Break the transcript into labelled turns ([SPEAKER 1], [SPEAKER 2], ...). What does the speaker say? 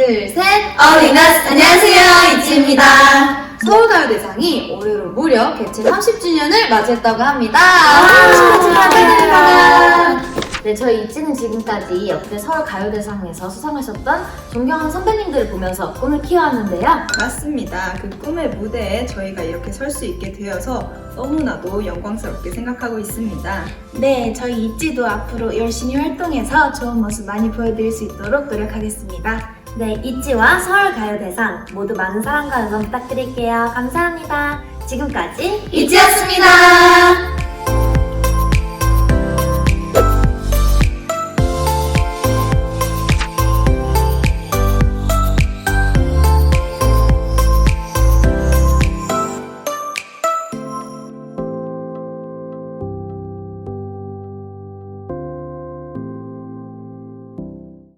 [SPEAKER 1] 둘, 셋!
[SPEAKER 2] 어린아스 안녕하세요, 이지입니다.
[SPEAKER 1] 서울가요대상이 올해로 무려 개최 30주년을 맞이했다고 합니다.
[SPEAKER 2] 축하드립니다.
[SPEAKER 3] 네, 저희 이지는 지금까지 역대 서울가요대상에서 수상하셨던 존경하는 선배님들을 보면서 꿈을 키워왔는데요.
[SPEAKER 4] 맞습니다. 그 꿈의 무대에 저희가 이렇게 설 수 있게 되어서 너무나도 영광스럽게 생각하고 있습니다.
[SPEAKER 2] 네, 저희 이지도 앞으로 열심히 활동해서 좋은 모습 많이 보여드릴 수 있도록 노력하겠습니다.
[SPEAKER 3] 네, 이지와 서울가요대상 모두 많은 사랑과 응원 부탁드릴게요. 감사합니다. 지금까지
[SPEAKER 2] 이지였습니다.